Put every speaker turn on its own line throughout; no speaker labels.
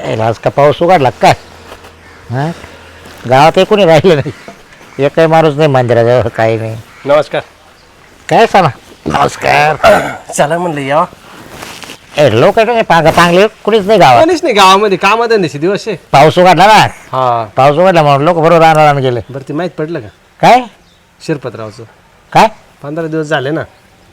आज का पाऊस उघडला काय? हां गावात कोणी राहिलं नाही, एकही माणूस नाही मंदिराजवळ, काही नाही.
नमस्कार.
काय सांगा? नमस्कार.
चला म्हणलं या.
लोक चांगले कुणीच नाही गावात.
कोणीच नाही गावामध्ये, कामधंद्याचे दिवस आहे.
पाऊस उघडला ना,
हा
पाऊस उघडला म्हणून लोक बरोबर राहणार गेले.
बरं, ते माहीत पडलं का
काय
शिरपतरावचं?
काय
15 दिवस झाले ना.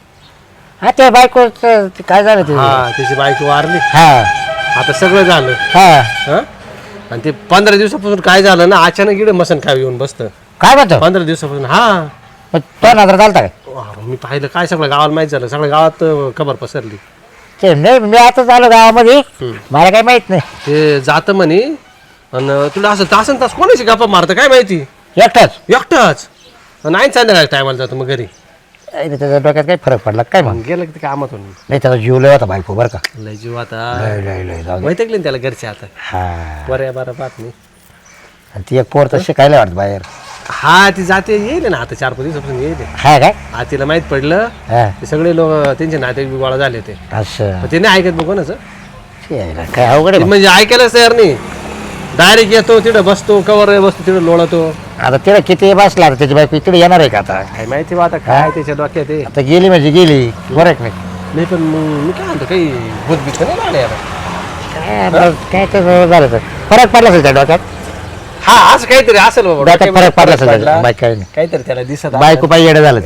हा ते बायको काय झालं ते?
हा, त्याची बायको वारली.
हा
आता सगळं झालं.
हा
हा, आणि ते 15 दिवसापासून काय झालं ना, अचानक इकडे मसन खावी येऊन बसतं.
काय म्हणतो?
15 दिवसापासून. हा,
तो नजर चालता काय?
मी पाहिलं काय, सगळं गावाला माहीत झालं, सगळ्या गावात खबर पसरली.
ते नाही, मी आता आलो गावामध्ये, मला काही माहित नाही.
ते जातं म्हणे. आणि तुला असं तासन तास कोणाशी गप्पा मारतं काय माहिती,
एकटाच.
एकटाच. नाही संध्याकाळी टायमाला जातो मग घरी.
त्याच्या डोक्यात काही फरक पडला काय? मग
गेलं की ते कामातून.
नाही, त्याचा जीव लय होता बायको बरं का.
लय जीव आता.
लय जाऊ दे.
माहिती आहे त्याला घरचे आता.
हा,
बरं बरं बात नाही.
आणि ती एक पोर तर शिकायला वाटत बाहेर.
हा, ती जाते, येईल ना आता 4-5 दिवसापासून येईल.
हा काय?
हा, तिला माहित पडलं.
हा
ते सगळे लोक त्यांचे नाते गोळा झाले होते.
असं
ते नाही ऐकत बघ कोणाचं.
यायला काय अवघड आहे मग.
म्हणजे ऐकायलाच तयार नाही. डायरेक्ट येतो तिथं बसतो, कवर बसतो तिथं लोळतो.
आता तिला किती बसला आता त्याची बायको इकडे येणार आहे का आता?
काय माहिती बा आता काय त्याच्या डोक्यात आहे.
आता गेली म्हणजे गेली, बरं आहे की नाही?
नाही पण मग मी काय म्हणतो, काही भूतभीत नाही लागले यार.
काय बरं, काय तर झालं तर फरक पडला असेल त्या डोक्यात.
हा, असं काहीतरी असेल बाबा.
डोक्यात फरक पडला असेल
पडला.
बाईक काही नाही.
काहीतरी त्याला दिसत
बायको पाहिजे येडं झालं ते.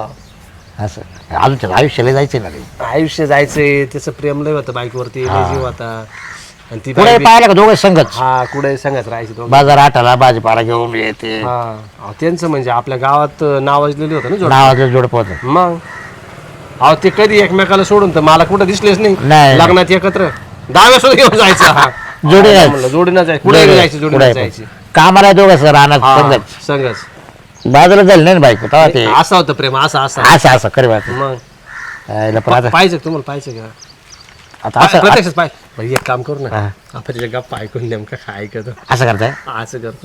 हा,
असं अजून त्याला आयुष्याला जायचं ना रे.
आयुष्य जायचंय, त्याचं प्रेम लय होतं बाईकवरती, लय जीव होता. आणि ती
पुढे
बाई-
पाहिलं का दोघं संगच
हा, कुठे सांगत राहायची दोघं.
बाजार आठाला भाजीपाला घेऊन येते.
हा, अहो, त्यांचं म्हणजे आपल्या गावात नावाजलेलं होतं ना जोड.
नावाचं जोडप होतं.
मग अहो, ते कधी एकमेकाला सोडून तर मला कुठं दिसलेच नाही.
नाही.
लग्नात एकत्र डाव्या सुद्धा घेऊन जायचं. हा,
जोडी जायचं.
म्हणलं जोडीनं जायचं, पुढे जायचं, जोडीनं जायची.
कामाला दोघं सर राहणार
हा,
संगच.
संगच.
बाजूला झालं नाही ना बायको तेव्हा ते
असं होतं प्रेम, असं असं.
असं असं करी बात.
मग
पण आता
पाहिजे का तुम्हाला, पाहिजे का?
आता असं
प्रत्यक्षच पाहिजे. एक काम करू ना,
हा.
आपण तिच्या गप्पा ऐकून नेमकं काय ऐकतो,
असं करताय.
असं करतो.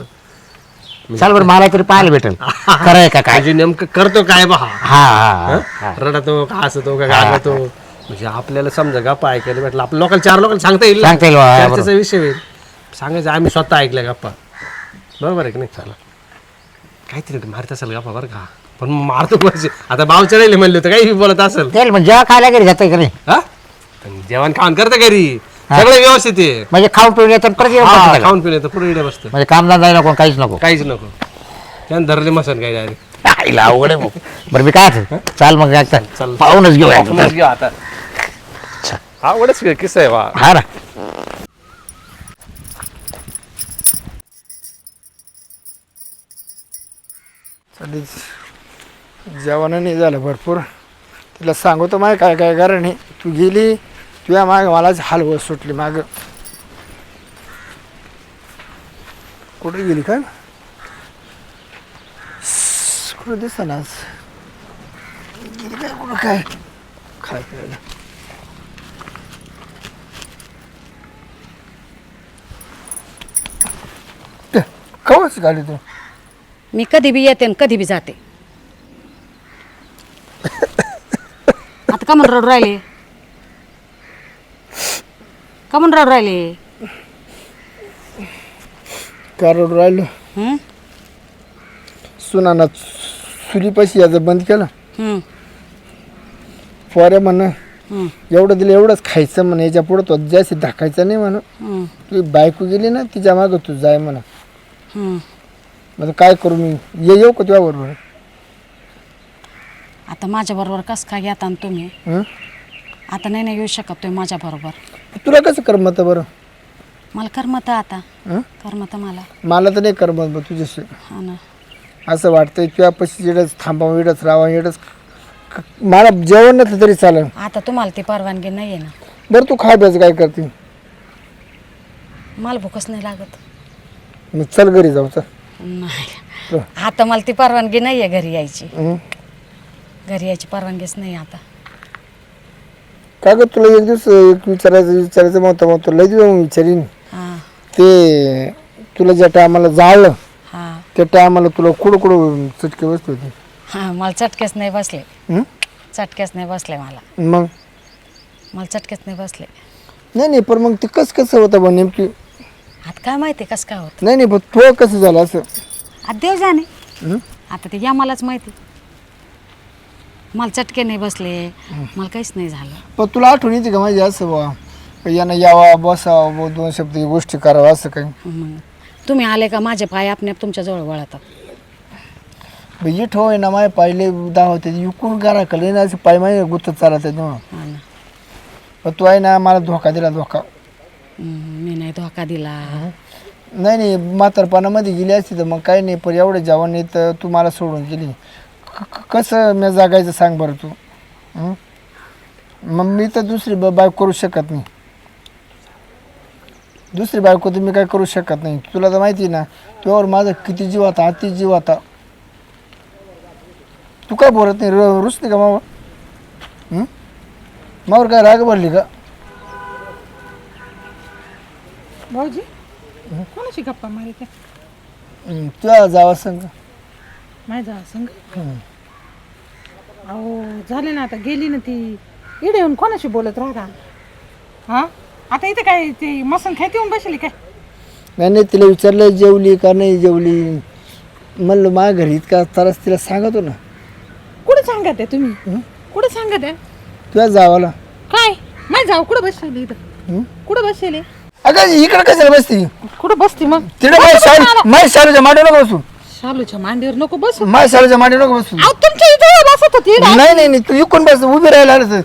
चाल बरं, मला तरी पाहायला भेटेल खरं आहे का काय.
म्हणजे नेमकं करतो काय बा.
हा हा हा.
रडतो का हसतो का गागतो, म्हणजे आपल्याला समजा गप्पा ऐकायला भेटलं. आपल्या लोकल 4 लोकांना सांगता येईल ना.
सांगता येईल बा,
चर्चेचा
बरोबर.
विषय होईल. सांगायचं आम्ही स्वतः ऐकल्या गप्पा. बरोबर आहे की नाही? चला, काहीतरी मारत असेल गप्पा बरं का, पण मारतो म्हणजे आता भाव चढायले म्हणले होते, काही बोलत असेल.
तेल म्हणजे जेव्हा खायला घरी जातं का नाही,
हा, पण जेवण खाऊन करतं घरी, सगळं व्यवस्थित आहे.
म्हणजे खाऊन पिऊन येतं परत येऊन
हा,
बसतं का?
खाऊन पिणे तर पुढे इकडे बसतं,
म्हणजे कामधंदा नको काहीच नको.
काहीच नको. त्यानं धरले मसन काय डायरेक्ट.
आईला अवघड आहे भाऊ. बरं मी काय म्हणतो, चाल मग एकदा
चल.
पाहूनच घेऊ
पाहूनच घेऊ आता. आवडच किस्सा आहे वा.
हा ना.
जेवण नाही झालं भरपूर. तिला सांगतो माय काय काय कारण नाही. तू गेली, तुझ्या माग मलाच हलवत सुटली माग. कुठे गेली काय, कुठं दिसत ना आज गेली काय, कुठं काय काय करायला. कवच गाडी तू.
मी कधी बी येते आणि कधी बी जाते. आता का म्हणून रडू राहिले, का म्हणून रडू राहिले?
कार राहिलो
हं?
सुनाना चुलीपाशी याचं बंद केलं.
हं,
पोऱ्या म्हणणं
हं,
एवढं दिलं एवढंच खायचं म्हणा, याच्या पुढं तो जास्त दाखायचं नाही म्हणून.
हं,
तुझी बायको गेली ना, तिच्या मागं तू जाय म्हणा.
हं.
मग काय करू मी, येऊ का तुझ्या बरोबर?
आता माझ्या बरोबर कसं काय घेता तुम्ही?
हं?
आता नाही येऊ शकत तुम्ही माझ्या बरोबर.
तुला कसं करमत बरं?
मला करमत आता,
हं?
करमत मला.
मला तर नाही करमत बरं तुझ्याशी.
हा ना.
असं वाटतंय तुझ्या पशी इडच थांबावं, इडच राहावं, इडच मला जेवण नसलं तरी चालेल.
आता तुम्हाला ती परवानगी नाही आहे ना.
बरं तू खाय प्यायचं काय करते?
मला भूकच नाही लागत.
मग चल घरी जाऊ चल.
नाही, आता मला ती परवानगी नाही आहे घरी यायची.
हं?
घरी यायची परवानगीच नाही आता.
काय ग तुला एक दिवस एक विचारायचं मग तुला लई दिवस विचारीन.
हां
ते तुला ज्या टायमाला जाळलं
हां
त्या टायमाला तुला कुठं कुठं चटके बसले होते.
हां, मला चटकेच नाही बसले.
हं?
चटकेच नाही बसले मला.
मग
मला चटकेच नाही बसले.
नाही नाही, पण मग ते कसं होतं बा नेमकी
आता काय माहिती कसं काय होत.
नाही नाही पण तो कसं झालं असं
आता देव जाणे.
हं?
आता ते या मलाच माहिती. मला चटके नाही बसले, मला काहीच नाही झालं.
पण तुला आठवण येते का माझी असं बा यानं यावा बसावं 2 शब्द गोष्टी करावं असं काही
मग तुम्ही आले का माझे पाय आपणे तुमच्या जवळ वळतात.
इट होय ना माय पाहिले 10 होते इकून करा कले ना असं पाय माय गुत्त चालत आहे ना.
हा ना.
पण तू आहे ना मला धोका दिला धोका.
मी नाही धोका दिला.
नाही नाही म्हातारपणामध्ये गेली असती तर मग काही नाही पण एवढं जेवण नाही तर तू मला सोडून गेली. कसं मी जागायचं सांग बरं तू. मग मी तर दुसरी बायको करू शकत नाही. दुसरी बायको तर मी काय करू शकत नाही. तुला तर माहिती ना तुझ्यावर माझा किती जीव होता अति जीव होता. तू काय बोलत नाही रुसते का मावर मावर काय राग भरली का.
भाऊजी कोणाशी गप्पा मारित
तुझ्या जावा सांग.
माझ्या संग अहो झाले ना आता गेली ना ती इडे येऊन कोणाशी बोलत राहता. हा आता इथे काय ती मसन खायती येऊन बसली काय.
नाही तिला विचारलं जेवली का नाही जेवली म्हणलं माझ्या घरी इतका त्रास तिला सांगतो ना.
कुठे सांगत आहे तुम्ही कुठे सांगत आहे
तुझ्या जावाला
काय माझी जाऊ कुठं बसली इथं कुठं बसले
अगं इकडे कशाला बसती
कुठं बसती मग
तिकडे माझ्या शाळेच्या मांडीवर नको बसू.
शालूच्या मांडीवर नको बसू.
माझ्या शाळेच्या मांडीवर नको बसू.
अहो तुमच्या इथे बसत होती इकडं.
नाही नाही तू इकडून बस उभी राहायला आलं.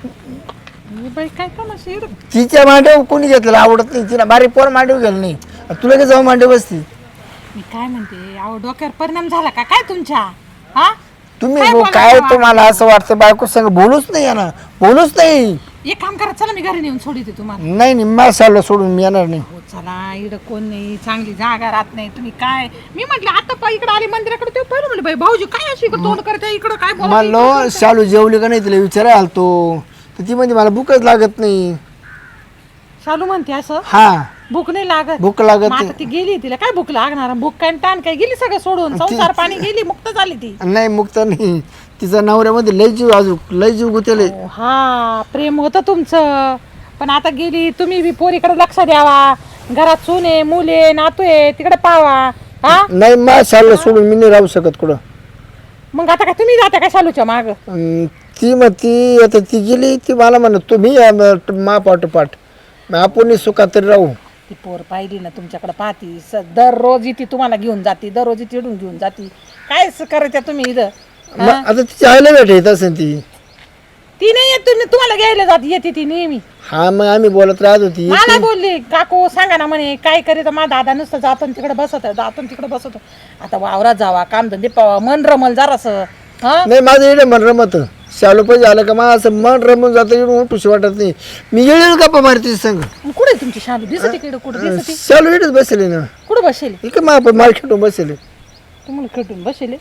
बाई काय तमाशा इकडं.
तिच्या मांडीवर कोणी घेतलं आवडत नाही तिला बारीक पोर मांडीवर गेलं नाही तुला काय जाऊ मांडीवर बसती.
मी काय म्हणते अहो डोक्यावर परिणाम झाला का काय तुमच्या. हा
तुम्ही
काय बोलायचं
काय
तुम्हाला?
तुम्हाला असं वाटतं बायको संग बोलूच नाही ना बोलूच नाही.
एक काम करा चला मी घरी नेऊन सोडते तुम्हाला.
नाही नाही माझ्या शाळेला सोडून मी येणार नाही.
हो चला इकडं कोण नाही चांगली जागा राहत नाही तुम्ही काय मी म्हटलं आता पा इकडे आले मंदिराकडे ते पहिलं म्हणलं बाई भाऊजी काय अशी इकडे तोंड करते इकडं काय बोलत आहे?
म्हणलो शालू जेवली का नाही तिला विचारायला आलतो तर ती म्हणजे मला भूकच लागत नाही.
शालू म्हणते असं
हा
भूक नाही लागत.
भूक लागत
मग आता ती गेली तिला काय भूक लागणार भूक काय ताण काय गेली सगळं सोडून संसार पाणी गेली मुक्त झाली ती.
नाही मुक्त नाही तिचा नवऱ्यामध्ये लय जीव अजून लय जीव गुतेले.
हा प्रेम होतं तुमचं पण आता गेली तुम्ही बी पोरीकडे लक्ष द्यावा घरात सुने मुले नातू आहे तिकडे पावा. हा
नाही माझ्या शाळेला सोडून मी नाही राहू शकत कुठं.
मग आता काय तुम्ही जाता का शालूच्या माग.
ती मग ती आता ती गेली ती मला म्हणत तुम्ही मा पाठोपाठ आपण सुखात तरी राहू.
ती पोर पाहिली ना तुमच्याकडे पाहती दररोज इथे तुम्हाला घेऊन जाते दररोज इथे इडून घेऊन जाते काय करायचं तुम्ही इथं.
मग आता तिच्या आईला भेट येत असेल
ती नाही येत तुम्हाला घ्यायला जाते येते ती नेहमी.
हा मग आम्ही बोलत राहत होती.
मला बोलली काकू सांगा ना म्हणे काय करीत माझा दादा नुसतं जातो तिकडे बसत जातो तिकडे बसत. आता वावरात जावा कामधंदे पावा मन रमल जरासं. हा
नाही माझं येणं मन रमत शालू पाहिजे आलं का मला असं मन रमून जातं येऊन उठूशी वाटत नाही. मी येईल गप्पा मारते संग.
कुठे तुमची शालू दिसते इकडे कुठे दिसते
शालू इकडेच बसले ना
कुठे बसेल
इकडे माल खेटून बसले.
तुम्हाला खेटून बसेल.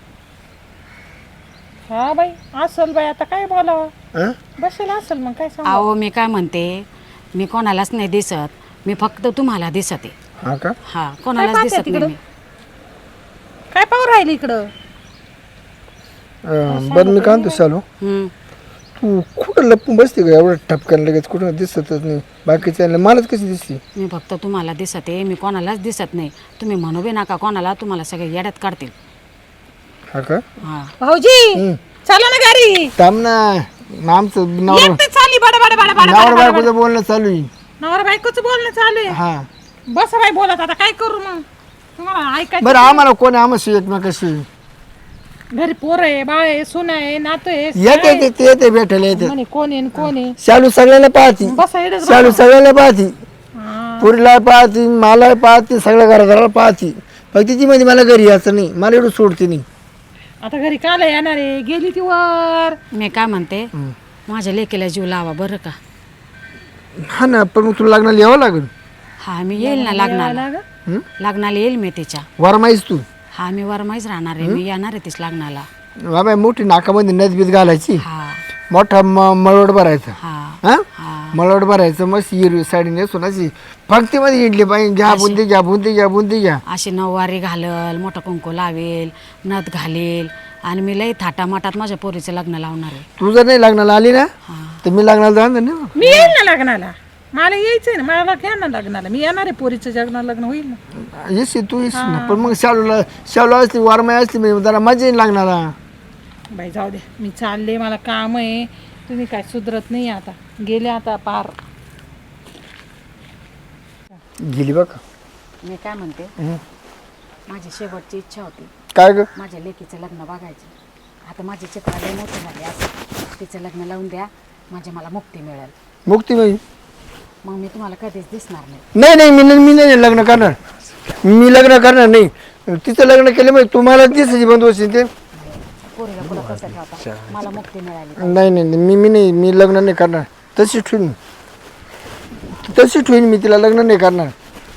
हा बाई असल बाई आता काय बोलावं बसेल असेल मग काय सांग.
अहो मी काय म्हणते मी कोणालाच नाही दिसत मी फक्त तुम्हाला दिसते.
हा का
हा कोणालाच
पाहते
दिसत
तिकडं?
नाही मी.
काय पाहू राहिले इकडं.
बरं मी काय म्हणतो शालू
हम्म.
तू कुठं लपून बसते का एवढं टपकन लगेच कुठं दिसतच नाही बाकीच्या मलाच कशी दिसते.
मी फक्त तुम्हाला दिसते मी कोणालाच दिसत नाही. तुम्ही म्हणू बी नका कोणाला तुम्हाला सगळे येड्यात काढतील.
हा का
हा
भाऊजी चला ना घरी.
थांब ना आमचं नवरा
एकटे चालली बडा बडा बडा बडा
नवरा बायकोचं बोलणं चालू आहे.
नवरा बायकोचं बोलणं चालू आहे.
हा
बस बाई बोलत आता काय करू मग तुम्हाला ऐकायचं.
बरं आम्हाला कोण आम्हाला एकमेकाशी
घरी पोर आहे बाळ आहे सुन आहे नातू आहे
येते ते येते भेटायला येते.
म्हणे कोण आहे न कोण आहे.
शालू सगळ्यांना पाहती
बसा इकडेच
शालू सगळ्यांना पाहती
हा.
पुरीला पाहती मला पाहती सगळ्या घराघराला पाहती फक्त ती मध्ये मला घरी यायचं नाही मला एवढं सोडते नाही.
आता घरी काल येणार आहे गेली ती वर.
मी काय म्हणते माझ्या लेकीला जीव लावा बरं का.
हा ना पण मग तुला लग्नाला यावं लागेल.
हा मी येईल ना लग्नाला. लग्नाला येईल मी तिच्या.
वरमाईस तू
हा मी वरमाईच राहणार आहे मी येणार आहे तीच लग्नाला.
बाबा मोठी नाकामध्ये नदबीत घालायची
हा
मोठा मळवट भरायचा
हा
हा
हा
मळवट भरायचं मस्त हिरवी साडी नेसून अशी पंक्तीमध्ये इडली पाहिजे घ्या बुंदी घ्या बुंदी घ्या बुंदी घ्या.
अशी नऊवारी घालल मोठा कुंकू लावेल नथ घालेल आणि मी लई थाटामाटात माझ्या पोरीचं लग्न लावणार आहे.
तू जर नाही लग्नाला आली ना
हा
तर मी लग्नाला जाणार नाही.
मी येईल ना लग्नाला मला यायचंय ना, मला घ्या ना लग्नाला. मी येणार आहे, पोरीचं लग्न होईल ना.
येशील तू येशील ना, पण मग शालूला असली वारमाई असली म्हणजे जरा मजा येईल लागणार.
बाई जाऊ दे, मी चालले, मला काम आहे. तुम्ही काय सुधरत नाही आता, गेले आता पार.
गेली बघ.
मी काय म्हणते, माझी शेवटची इच्छा होती
काय ग?
माझ्या लेकीचं लग्न बघायचं. आता माझे चित्र लय मोठे झाले, असं तिचं लग्न लावून द्या, म्हणजे मला मुक्ती मिळेल.
मुक्तीबाई
मग मी तुम्हाला कधीच दिसणार नाही.
नाही मी नाही लग्न करणार. मी लग्न करणार नाही. तिचं लग्न केलं म्हणजे तुम्हाला दिसायची बंद होईल ते.
पोरीला पुढं कसं ठेवता, मला मुक्ती मिळाली.
नाही मी लग्न नाही करणार. तशी ठेवीन मी तिला, लग्न नाही करणार.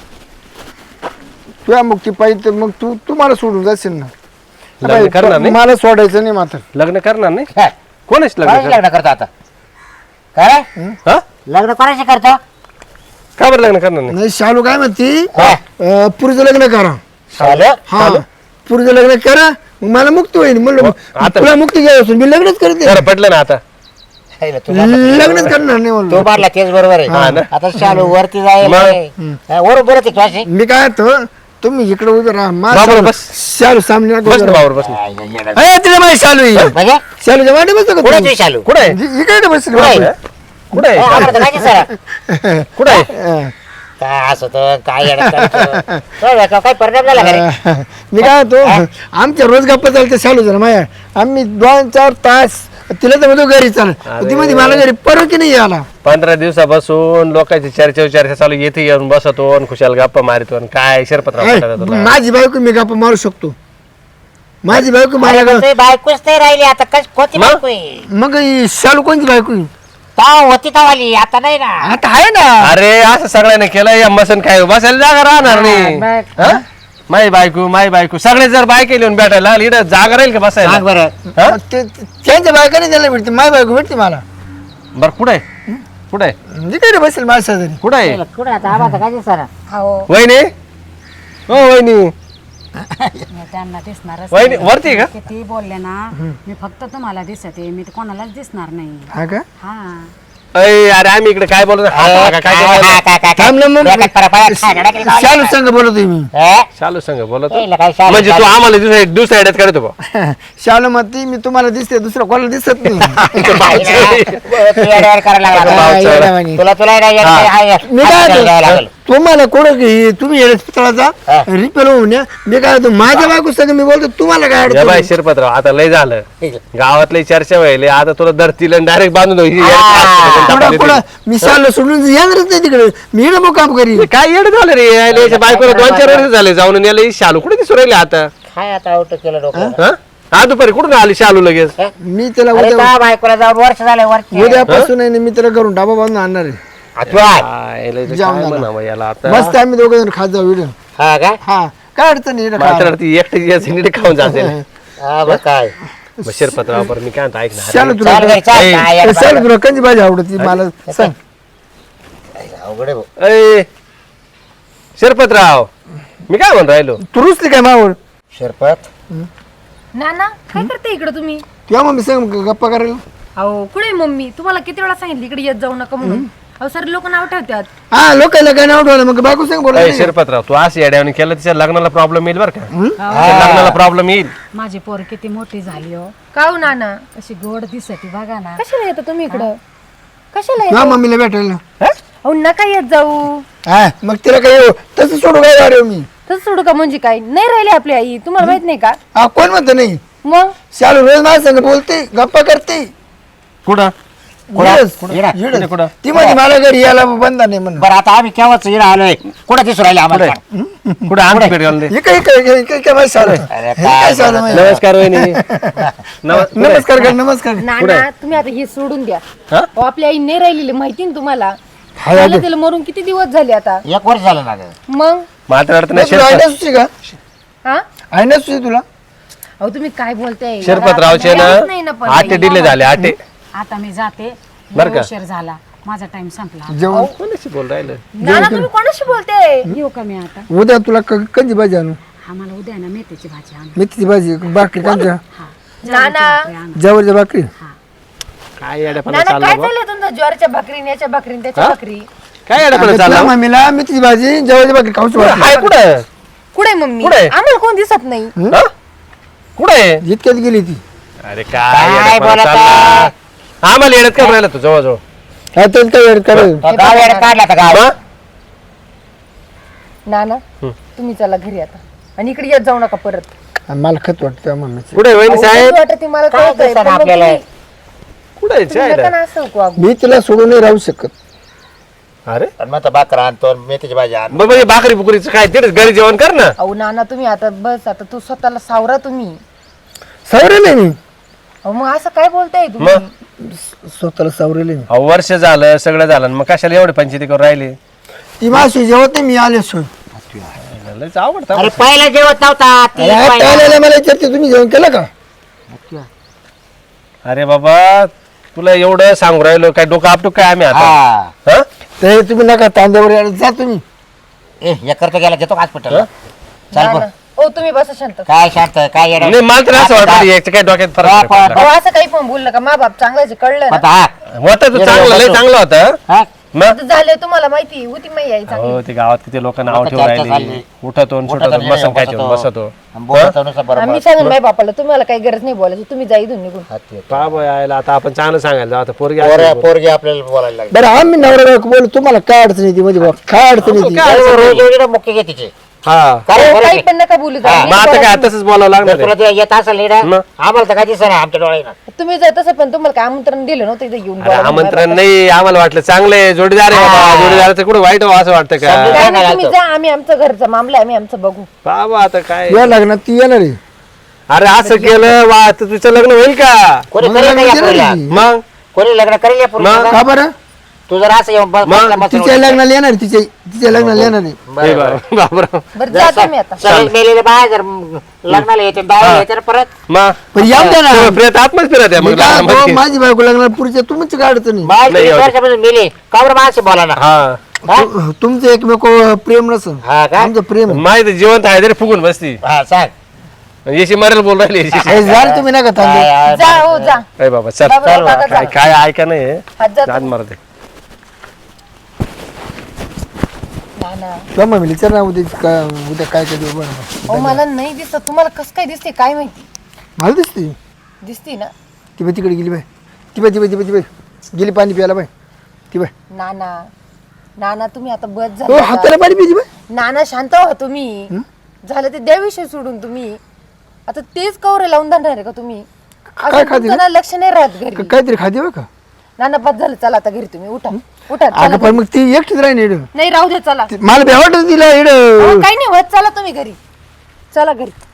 तुझ्या मुक्ती पाहिजे तर मग तू मला सोडून जाशील ना.
लग्न करणार नाही?
मला सोडायचं नाही मात्र.
लग्न करणार नाही?
काय
कोणाच
कोणाशी लग्न करतो आता? काय
हा?
लग्न कोणाशी करतो?
का बरं लग्न करणार नाही?
नाही शालू काय म्हणती,
काय?
पुरीचं लग्न करा.
चालेल.
हा पुरीचं लग्न करा, मग मला मुक्ती होईल. म्हणलं
आता-
तुला मुक्ती घ्यायची मी लग्नच करते.
बरं पटलं ना आता?
हाय ना,
लग्नच करणार नाही
तो
म्हणलं.
मारला तेच बरोबर
हा
आहे.
ना.
आता शालू वरती जाईल. वर बरं ते क्लास
मी काय तो तुम्ही इकडे उभे राहा.
बाबा, बस.
शालू सामने
बस ना भावावर, बस ना.
तिला माझी शालू आहे.
म्हणजे
शालूच्या वाटे बसतो का
कुणाची
तुम्ही?
शालू?
कुठं आहे?
इकडे बसले
कुठं आहे?
कुठं आहे?
आम्हाला तर माहिती सर.
कुठं आहे?
काय असं होतं, काय येडं करतो? काय परिणाम झाला का रे?
मी काय तो आमच्या रोज गप्पा चालते शालू जरा माया. आम्ही 2-4 तास तिला तर म्हणतो घरी चाल. ती मध्ये मला घरी परत की नाही आला.
15 दिवसापासून लोकांची चर्चा चालू, येथे येऊन बसतो आणि खुशाल गप्पा मारितो आणि काय शिरपतराव
माझी बायको मी गप्पा मारू शकतो. माझी बायको मला
तुझी बायकोच नाही राहिली आता. कोणती
मग?
बायको आहे?
मग ही शालू कोणती बायको आहे?
ताव होती तावाली, आता नाही ना.
आता आहे ना.
अरे असं सगळ्यांनी केलं, या मसन काय बसायला जागा राहणार नाही.
मग.
हा? माई बायको सगळे जर बायके लिहून भेटायला लागले, इकडं जागा राहील का बसायला?
सांग बरं.
हा?
मग त्यांच्या बायकाने त्याला भेटते, माझी बायको भेटते मला.
बरं कुठं आहे? कुठं आहे?
इकडे बसेल माझ्या शेजारी.
कुठं आहे?
कुठं आता आम्हाला काय दिसणार?
हो,
वहिनी, हो वहिनी,
मी त्यांना दिसणारच
वहिनी
नाही.
वरती आहे का?
किती बोलले ना, मी फक्त तुम्हाला दिसते, मी तर कोणालाच दिसणार नाही.
हा का?
हा,
अरे आम्ही इकडे काय बोलतो? काय बोलतो?
थांबलं मग. शालू संग बोलतोय मी.
शालू संग बोलतो
काय शालू?
म्हणजे तू आम्हाला दुसऱ्या ह्याच्यात करतो बा.
शालू म्हणते मी तुम्हाला दिसते, दुसरं कोणाला दिसत नाही. मी काय तुम्हाला कोण तुम्ही पितळाचा रिपेअर होऊन या. मी काय होतो माझ्या बायको संग मी बोलतो, तुम्हाला काय
या बाय
अडचण?
शिरपतराव, आता लय झालं, गावातली चर्चा व्हायली, आता तुला धरतील डायरेक्ट बांधून
कुठं मी शालू सोडून येणारच नाही तिकडे. मी इकडे मग काम करीन.
काय येड झालं रे याच्या बायकोला 2-4 वर्ष झाले जाऊन, याला ही शालू कुठे दिसू राहिले आता?
काय आता आउट केलं डोकं?
हा? हा दुपारी कुठून आली शालू लगेच?
मी त्याला
अरे
उद्या
का बायकोला जाऊन वर्ष झालं वर्ष.
उद्यापासून आहे ना, मी त्याला करून डाबा बांधून आणणार आहे.
काय लय काय म्हणावं याला आता?
मस्त आम्ही दोघं जण खात जाऊ व्हिडिओ.
हा काय?
हा काय अडचण नाही इकडं
मात्र
खायला.
ती एकटी यायची नीट खाऊन जाते.
हा बरं काय?
शिरपतराव बरं मी काय म्हणतो ऐक ना.
शालू तुला
चाल घरी, चाल.
ए,
काय यार
शालू तुला कंची भाजी आवडती मला सांग.
अवघड आहे भाऊ.
अय, शिरपतराव मी काय म्हणून राहिलो?
तू रुसली काय मावळ?
शिरपत
नाना काय करते इकडे तुम्ही?
किंवा मग मी सांग गप्पा करायला.
अहो कुठे मम्मी? तुम्हाला किती वेळा सांगितलं इकडे येत जाऊ नका म्हणून. अहो सर लोक नाव ठेवतात.
हा लोकांना काय नाव ठेवलं मग बायको सांग
अय,
बोलायचं.
शिरपतराव तू असं येड्यावणी केलं, तिच्या लग्नाला प्रॉब्लेम येईल बरं का? तिच्या लग्नाला प्रॉब्लेम येईल.
माझी पोर किती मोठी झाली हो,
का हो नाना?
कशी गोड दिसते बघा ना.
कशाला येता तुम्ही इकडं? कशाला
हा
येता?
मम्मीला भेटायला.
अहो नका येत जाऊ.
हा मग तिला काय तसं सोडू काय अरे मी.
तसं सोडू का म्हणजे काय? नाही राहिली आपली आई, तुम्हाला माहित नाही का?
हा कोण म्हणतं नाही.
मग
शालू रोज माझ्या संग बोलते, गप्पा करते.
कुठं?
येडच.
येडा.
येडच.
कुठं?
ती म्हणजे मला घरी यायला बंद नाही म्हणून.
बरं आता आम्ही केव्हाच इकडे आलोय, कुठं दिसू राहिले आम्हाला?
कुठं आमची भेट घालून दे.
हे काय माझं शालू आहे.
अरे
हे काय शालू आहे?
नमस्कार वहिनी.
नमस्कार कर नमस्कार.
नाना तुम्ही आता हे सोडून द्या.
हा?
अहो आपली आई नाही राहिलेली माहिती ना तुम्हाला.
हाय,
मला तिला मरून किती दिवस झाले आता.
1 वर्ष झालं ना गं.
मग
मात्र अडत नाही.
तुला आयना सुची का?
हा?
आयना सुची तुला?
अहो तुम्ही काय बोलताय?
शिरपतरावचे
नाही
ना
पण.
8 डिले झाले 8.
आता मी जाते,
बरं का?
उशीर झाला, माझा टाइम संपला.
जेवण
कोणाशी बोल राहिलं?
नाना तुम्ही कोणाशी बोलताय?
येऊ का मी आता?
उद्या तुला कंची भाजी आणू.
आम्हाला उद्या ना मेथीची भाजी आण.
मेथीची भाजी भाकरी कांच्या
नाना
जवळच्या भाकरी.
काय येड्यापणा
नाना
चालला
काय
बा?
चाललंय तुमचं? ज्वारीच्या भाकरी, याच्या भाकरी, त्याच्या भाकरी.
काय अडपण
तुला
चालला
मम्मीला मेथीची भाजी जेवायची बाकी खाऊच वाटली
हाय कुठं
कुठे मम्मी
कुठे?
आम्हाला कोण दिसत नाही
हा? कुठे
इतक्यात गेली ती
अरे
काय
काय येडपणा
बोलत
चालला आम्हाला येडत काय राहिला तू जवळ
काय तर काय वेळ करायचं
तो गाव येडं काढला आता गाव
नाना तुम्ही चला घरी आता आणि इकडे येत जाऊ नका परत
मला खत वाटतं मम्मीचं
कुठे वहिनी साहेब
वाटत मला
काय
कळतंय,
दिसतं
पण मग
आपल्याला?
कुठे
तुम्ही नका ना असं वागू.
मी तिला सोडून नाही राहू शकत
अरे
आणि मग तो भाकर आणतो मेथीची भाजी आणतो
मग म्हणजे भाकरी बुकरीचं काय तिथेच घरी जेवण कर ना
अहो नाना तुम्ही आता बस आता तू स्वतःला सावरा तुम्ही
सावरेले मी
अहो मग असं काय बोलताय तुम्ही
स्वतःला सावरेले मी
अहो, वर्ष झालं सगळं झालं मग कशाला एवढे पंचायती करून राहिले
ती माशी जेवत नाही मी आले सोय
लयच आवडतं
अरे पहिला जेवत नव्हता ती पहिला.
मला विचारते तुम्ही जेवण केलं का
अरे बाबा तुला एवढं सांगू राहिलो काय डोकं आपटूक काय आम्ही आता
हा
हा?
ते तुम्ही नका तांद्यावर यायला जा तुम्ही
हे करतो गेला घेतो हॉस्पिटल चाल
नाना,
बरं.
ओ तुम्ही बसा शांत
काय शांत काय येडं?
नाही मला तर असं वाटतं याचं काय डोक्यात फरक नाही पडला.
अहो असं काही पण बोल नका मा बाप चांगलाच आहे, कळलं ना
आता हा
होता तो चांगला लय चांगला होता
हा?
मग
आता झालं तुम्हाला माहिती होती माही आई चांगली
हो ते गावात किती लोक नाव
आता
ठेवून
चर्चा
राहिली
चालली.
उठतो सुटतो बसन काय ठेवून बसतो
आणि बोलतो नुसतं बरोबर.
आम्ही सांगून माय बापाला तुम्हाला काही गरज नाही बोलायची तुम्ही जा इथून निघून
हात येतो.
बाबा यायला आता आपण चांगलं सांगायला जाऊ आता पोरगी
पोरगी आपल्याला बोलायला लागली
बरं आम्ही नवरा बायको बोलू तुम्हाला काय अडचण येते मध्ये बघ काय अडचण येते
अरे रोज एवढी मुख्य घे तिचे
हा
काय
अहो,
बोला
काही
की?
पण नका बोलू जा.
मग आता काय तसंच बोलावं लागणार
तुला
आहे.
ते येत असेल नीट
मग?
आम्हाला तर काय दिसत नाही आमच्या डोळ्यानं
तुम्ही जर तसं पण तुम्हाला काय आमंत्रण दिलं नव्हतं इथे घेऊन
अरे
बोलायला
आमंत्रण नाही आम्हाला वाटलं चांगले जोडीदार आहे बाबा जोडीदाराचं कुठं वाईट व्हावं असं वाटतं का
समजून
काय नाही
घालतो.
तुम्ही जा आम्ही आमचं घरचा मामला आहे, आम्ही आमचं बघू
बाबा आता काय
या लग्नात ती येणार आहे
अरे असं केलं वा तर तुझं लग्न होईल का
कोणी
मग
करेल
लग्न
का या
केलं
पोरीला?
नाही.
मग
कोणी लग्न करेल या पोरीला?
का बरं
तू जर असं येऊन बसला बसून
तिच्या लग्नाला येणार तिच्या लग्नाला येणार आहे
हे
बरं, बरं.
बाबा
बरं जा तुम्ही आता
सगळे मेलेले बाय जर लग्नाला येते बाय येते ना परत
मग
पण येऊ द्या ना
फिरत आत्मच फिरत आहे
मी
मग
काय म्हणतो,
लग्नामध्ये.
माझी बायको लग्नाला पुढच्या तुमची काय अडचण नाही
बाय
नाही, एवढं.
वर्षापासून मेले का बरं माणसे बोला ना
हा
तुमचं एकमेक प्रेम नसन
हा का
आमचं प्रेम आहे.
माहिती जिवंत आहे तरी फुगून बसती
हा सांग
येशी मरेल बोल राहिली
हे झालं तुम्ही नका थांबू
जा हो जा
अरे बाबा चल
बाबा,
चल
बाबा,
काय
जा.
काय ऐका नाही
हात जा
जात
तुम्ही.
मारते
नाना
मग मी विचार ना उद्या काय काय देऊ बरं
अहो मला नाही दिसत तुम्हाला कसं काय दिसते काय माहिती
मला दिसते
दिसते ना
ती बाई तिकडे गेली बाय ती बाई गेली पाणी प्यायला बाय ती बाय
नाना नाना तुम्ही आता बस
हो
झाला
हाताला पाणी पिली बाय
नाना शांत व्हा तुम्ही झालं ते द्याविषयी सोडून तुम्ही आता तेच कवरे लावून धरणार आहे का तुम्ही
काय
अजून
खाते
तुमचं ना लक्ष नाही राहत घरी
काहीतरी खाते बा का
नाना बस झालं चला आता घरी तुम्ही उठा उठा
अगं
चला
पण मग ती एकटीच राही इड
नाही राहू दे चला
मला भ्या वाटत तिला इड
अहो, काही नाही होत चला तुम्ही घरी चला घरी